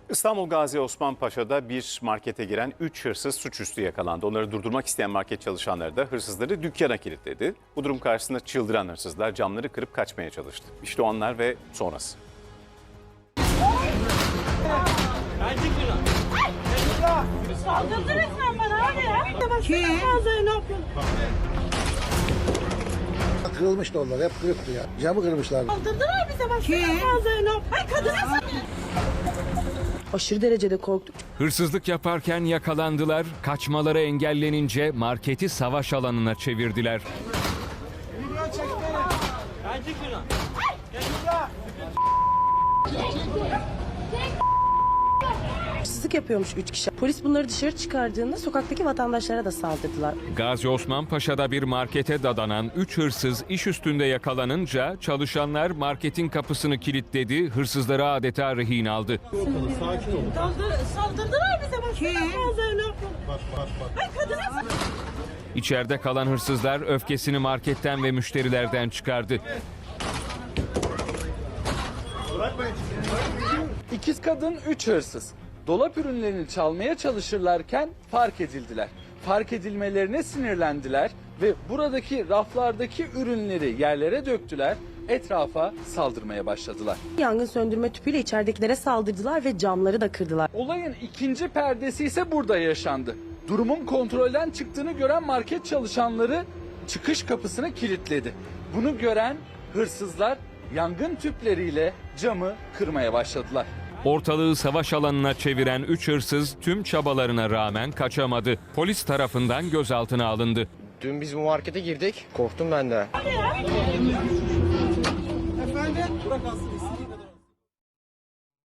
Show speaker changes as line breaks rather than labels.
İstanbul Gazi Osman Paşa'da bir markete giren 3 hırsız suçüstü yakalandı. Onları durdurmak isteyen market çalışanları da hırsızları dükkana kilitledi. Bu durum karşısında çıldıran hırsızlar camları kırıp kaçmaya çalıştı. İşte o anlar ve sonrası.
Saldırdı resmen bana abi ya. Kim? Ne yapıyorsun?
Kırılmıştı onlar, hep kırıktı ya. Camı kırmışlardı.
Saldırdılar bize bak. Kim? Ay kadına
Aşırı derecede korktuk.
Hırsızlık yaparken yakalandılar, kaçmaları engellenince marketi savaş alanına çevirdiler.
Hırsızlık yapıyormuş 3 kişi. Polis bunları dışarı çıkardığında sokaktaki vatandaşlara da saldırdılar.
Gazi Osman Paşa'da bir markete dadanan 3 hırsız iş üstünde yakalanınca çalışanlar marketin kapısını kilitledi, hırsızları adeta rehin aldı.
saldırdılar bize bak. Kim? Ne yapıyorsun? Ay kadına
İçeride kalan hırsızlar öfkesini marketten ve müşterilerden çıkardı.
İkiz kadın 3 hırsız. Dolap ürünlerini çalmaya çalışırlarken fark edildiler. Fark edilmelerine sinirlendiler ve buradaki raflardaki ürünleri yerlere döktüler, etrafa saldırmaya başladılar.
Yangın söndürme tüpüyle içeridekilere saldırdılar ve camları da kırdılar.
Olayın ikinci perdesi ise burada yaşandı. Durumun kontrolden çıktığını gören market çalışanları çıkış kapısını kilitledi. Bunu gören hırsızlar yangın tüpleriyle camı kırmaya başladılar.
Ortalığı savaş alanına çeviren 3 hırsız tüm çabalarına rağmen kaçamadı. Polis tarafından gözaltına alındı.
Dün biz bu markete girdik. Korktum ben de.
Efendim? Bırak alsın.